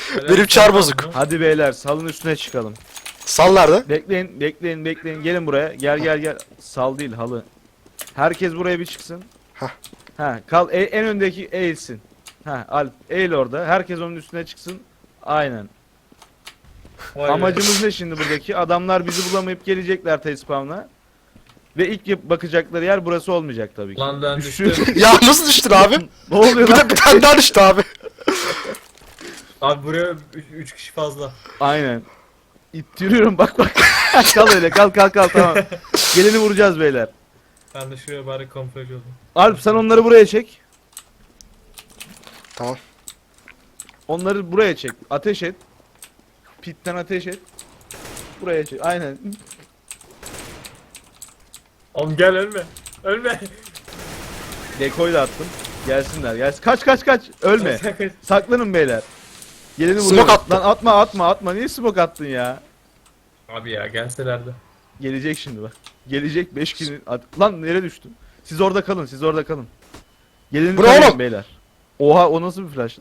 Benim çar bozuk. Hadi beyler salın üstüne çıkalım. Sal nerede? Bekleyin. Gelin buraya. Gel. Sal değil halı. Herkes buraya bir çıksın. Hah. Ha, en öndeki eğilsin. Ha, Alp eğil orada. Herkes onun üstüne çıksın. Aynen. Amacımız ne şimdi buradaki? Adamlar bizi bulamayıp gelecekler T-spawn'a. Ve ilk bakacakları yer burası olmayacak tabii ki. Lan ben Düştü. düştüm. Ya nasıl düştün abi? Ne oluyor Bir lan? de bir tane daha düştü abi. Abi buraya 3 kişi fazla. Aynen. İttiriyorum bak. Kal öyle kal tamam. Geleni vuracağız beyler. Ben de şuraya bari kamuflaj oldum. Alp sen onları buraya çek. Tamam. Onları buraya çek. Ateş et. Pitten ateş et. Buraya çek. Aynen. Oğlum gel ölme. Ölme. Dekoy da attım. Gelsinler. Kaç. Ölme. Saklanın beyler. Geleni Smoke vuruyoruz. attım. Lan atma. Niye smoke attın ya? Abi ya gelselerdi. Gelecek şimdi bak. Gelecek 5 gün. Lan nereye düştüm? Siz orada kalın. Geleni Bu ne tarayın oğlum? beyler. Oha o nasıl bir flash?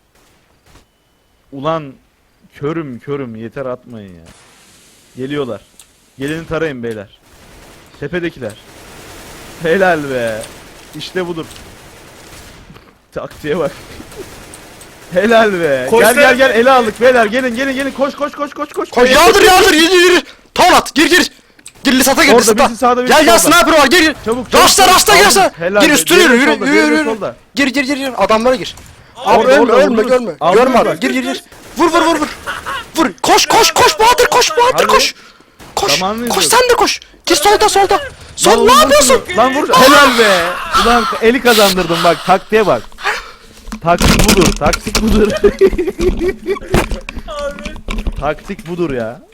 Ulan körüm yeter atmayın ya. Geliyorlar. Geleni tarayın beyler. Tepedekiler. Helal be. İşte budur. Taktiğe bak. Helal be. Koş Gel lan. ele aldık beyler. Gelin. Koş. Koş yardır yürü. Tavlat gir. Gir lisata gir Orada lisata. birisi sağda birisi Gel solda. sniper var gir. Çabuk. Rasta Aldım. girse. Helal Gir be. üstüne Diğeri yürü. solda, diğeri solda. Gir. Adamlara gir. Abi, Abi ölme orada vururuz. görme. Aldın Görme mı? abi. Gir. Vur. Vur. Koş Bahadır Hadi. koş. Zamanını Koş izliyoruz. sen de koş. Gir solda. Sol Lan ne oğlum, yapıyorsun? vur şunu. Lan vur. Helal be. Ulan eli kazandırdım bak. Taktiğe bak. Taktik budur. Abi. Taktik budur ya.